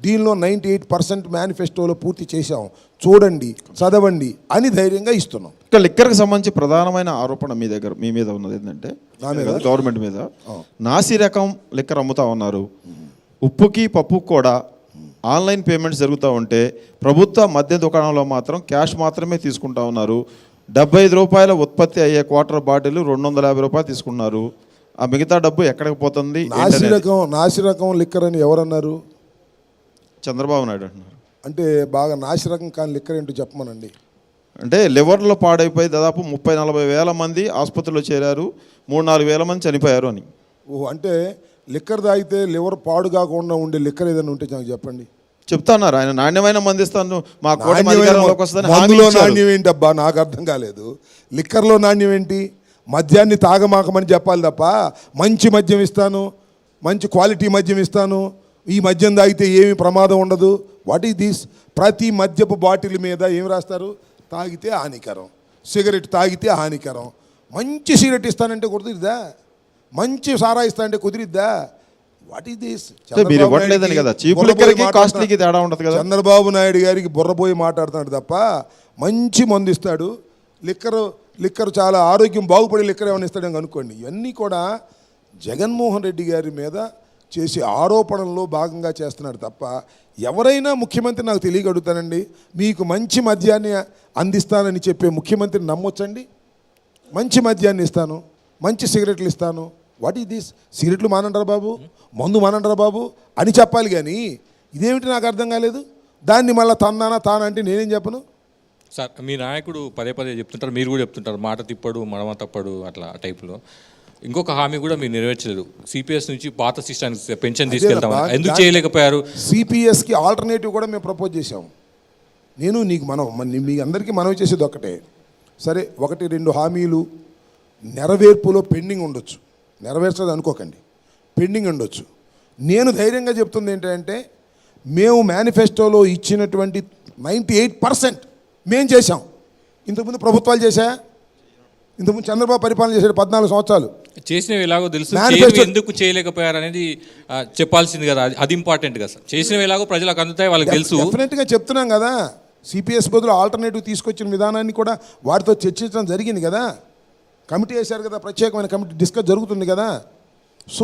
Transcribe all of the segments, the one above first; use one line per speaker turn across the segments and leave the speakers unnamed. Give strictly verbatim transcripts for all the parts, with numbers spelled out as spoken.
దీనిలో ninety eight percent మేనిఫెస్టోలో పూర్తి చేశాం, చూడండి చదవండి అని ధైర్యంగా ఇస్తున్నాం.
ఇక లిక్కర్కి సంబంధించి ప్రధానమైన ఆరోపణ మీ దగ్గర మీ మీద ఉన్నది ఏంటంటే గవర్నమెంట్ మీద నాసి రకం లిక్కర్ అమ్ముతా ఉన్నారు. ఉప్పుకి పప్పుకి కూడా ఆన్లైన్ పేమెంట్స్ జరుగుతూ ఉంటే ప్రభుత్వ మద్య దుకాణంలో మాత్రం క్యాష్ మాత్రమే తీసుకుంటా ఉన్నారు. డెబ్బై ఐదు రూపాయల ఉత్పత్తి అయ్యే క్వార్టర్ బాటిల్ రెండు వందల యాభై రూపాయలు తీసుకున్నారు. ఆ మిగతా డబ్బు ఎక్కడికి పోతుంది?
నాసి రకం నాసి రకం లిక్కర్ అని ఎవరన్నారు?
చంద్రబాబు నాయుడు అంటున్నారు.
అంటే బాగా నాసి రకం కానీ లిక్కర్ ఏంటో చెప్పమనండి.
అంటే లివర్లో పాడైపోయి దాదాపు ముప్పై నలభై వేల మంది ఆసుపత్రిలో చేరారు, మూడు నాలుగు వేల మంది చనిపోయారు అని.
ఓహో, అంటే లిక్కర్ తాగితే లివర్ పాడు కాకుండా ఉండే లిక్కర్ ఏదైనా ఉంటే నాకు చెప్పండి.
చెప్తాన్నారు ఆయన నాణ్యమైన మంది ఇస్తాను మా
మందులో నాణ్యం ఏంటి అబ్బా? నాకు అర్థం కాలేదు. లిక్కర్లో నాణ్యం ఏంటి? మద్యాన్ని తాగమాకమని చెప్పాలి తప్ప మంచి మద్యం ఇస్తాను, మంచి క్వాలిటీ మద్యం ఇస్తాను, ఈ మద్యం తాగితే ఏమి ప్రమాదం ఉండదు. What is this? ప్రతి మద్యపు బాటిల్ మీద ఏం రాస్తారు? తాగితే హానికరం, సిగరెట్ తాగితే హానికరం. మంచి సిగరెట్ ఇస్తానంటే కుదిరిద్దా? మంచి సారా ఇస్తానంటే కుదిరిద్దా? What is this? Chandrababu Naidu గారికి బుర్రపోయి మాట్లాడుతున్నాడు తప్ప మంచి మందు ఇస్తాడు. లిక్కర్ లిక్కర్ చాలా ఆరోగ్యం బాగుపడే లిక్కర్ ఏమైనా ఇస్తాడని అనుకోండి. ఇవన్నీ కూడా జగన్మోహన్ రెడ్డి గారి మీద చేసే ఆరోపణల్లో భాగంగా చేస్తున్నాడు తప్ప ఎవరైనా ముఖ్యమంత్రి నాకు తెలియగలుగుతానండి, మీకు మంచి మద్యాన్ని అందిస్తానని చెప్పే ముఖ్యమంత్రిని నమ్మొచ్చండి? మంచి మద్యాన్ని ఇస్తాను, మంచి సిగరెట్లు ఇస్తాను. What is this? సిగరెట్లు మానంటారా బాబు, మందు మానంటారా బాబు అని చెప్పాలి కానీ ఇదేమిటి నాకు అర్థం కాలేదు. దాన్ని మళ్ళీ తన్నానా తానంటే నేనేం చెప్పను
సార్. మీ నాయకుడు పదే పదే చెప్తుంటారు, మీరు కూడా చెప్తుంటారు, మాట తిప్పడు మడమ తప్పడు అట్లా టైప్లో. ఇంకొక హామీ కూడా మీరు నెరవేర్చలేదు. సిపిఎస్ నుంచి పాత సిస్టానికి పెన్షన్ తీసుకెళ్తాం, ఎందుకు చేయలేకపోయారు?
సిపిఎస్కి ఆల్టర్నేటివ్ కూడా మేము ప్రపోజ్ చేసాము. నేను నీకు మనం మీ అందరికీ మనవి చేసేది ఒక్కటే. సరే, ఒకటి రెండు హామీలు నెరవేర్పులో పెండింగ్ ఉండొచ్చు, నెరవేర్చదు అనుకోకండి, పెండింగ్ ఉండొచ్చు. నేను ధైర్యంగా చెప్తుంది ఏంటంటే మేము మేనిఫెస్టోలో ఇచ్చినటువంటి నైంటీ ఎయిట్ పర్సెంట్ మేము చేసాం. ఇంతకుముందు ప్రభుత్వాలు చేశాయా? ఇంతకుముందు చంద్రబాబు పరిపాలన చేశాడు పద్నాలుగు సంవత్సరాలు.
చేసినవి ఎలాగో తెలుసు, ఎందుకు చేయలేకపోయారు అనేది చెప్పాల్సింది కదా, అది ఇంపార్టెంట్ కదా సార్. చేసినవి ఎలాగో ప్రజలకు అందుతాయి, వాళ్ళకి తెలుసు.
డెఫినెట్గా చెప్తున్నాం కదా, సిపిఎస్ బదులు ఆల్టర్నేటివ్ తీసుకొచ్చిన విధానాన్ని కూడా వాటితో చర్చించడం జరిగింది కదా. కమిటీ వేశారు కదా, ప్రత్యేకమైన కమిటీ డిస్కస్ జరుగుతుంది కదా. సో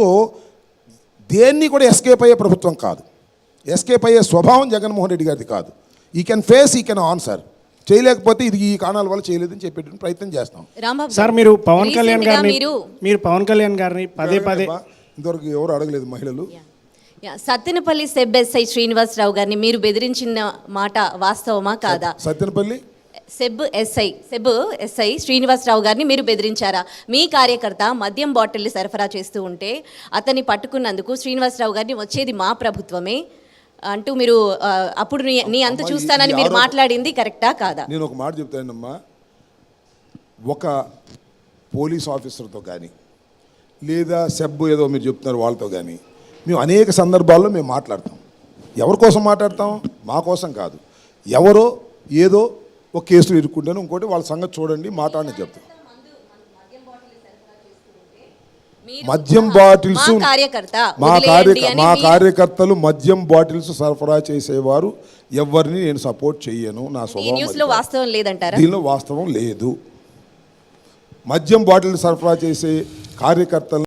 దేన్ని కూడా ఎస్కేప్ అయ్యే ప్రభుత్వం కాదు, ఎస్కేప్ అయ్యే స్వభావం జగన్మోహన్ రెడ్డి గారిది కాదు. ఈ కెన్ ఫేస్, ఈ కెన్ ఆన్సర్. చేయలేకపోతే ఇది ఈ కారణాల వల్ల చేయలేదని చెప్పే ప్రయత్నం చేస్తాం.
సార్, మీరు పవన్ కళ్యాణ్ గారిని మీరు పవన్ కళ్యాణ్ గారిని పదే పదే
ఇంతవరకు ఎవరు అడగలేదు మహిళలు.
సత్తెనపల్లి సెబ్ ఎస్ఐ శ్రీనివాసరావు గారిని మీరు బెదిరించిన మాట వాస్తవమా కాదా?
Sattenapalli
SEB SI SEB SI Srinivasarao గారిని మీరు బెదిరించారా? మీ కార్యకర్త మద్యం బాటిల్ని సరఫరా చేస్తూ ఉంటే అతన్ని పట్టుకున్నందుకు శ్రీనివాసరావు గారిని వచ్చేది మా ప్రభుత్వమే అంటూ మీరు అప్పుడు నీ అంత చూస్తానని మీరు మాట్లాడింది కరెక్టా కాదా?
నేను ఒక మాట చెప్తానమ్మా, ఒక పోలీస్ ఆఫీసర్తో కానీ లేదా సెబ్ ఏదో మీరు చెప్తున్నారు వాళ్ళతో కానీ మేము అనేక సందర్భాల్లో మేము మాట్లాడతాం. ఎవరి కోసం మాట్లాడతాం? మా కోసం కాదు. ఎవరో ఏదో ఒక కేసులు ఇరుక్కుంటాను, ఇంకోటి వాళ్ళ సంగతి చూడండి మాట్లాడని చెప్తాం. మద్యం బాటిల్స్ మా కార్య మా కార్యకర్తలు మద్యం బాటిల్స్ సరఫరా చేసేవారు ఎవరిని నేను సపోర్ట్ చేయను. నా
స్వభావం లేదంటారా?
దీనిలో వాస్తవం లేదు. మద్యం బాటిల్ సరఫరా చేసే కార్యకర్తలు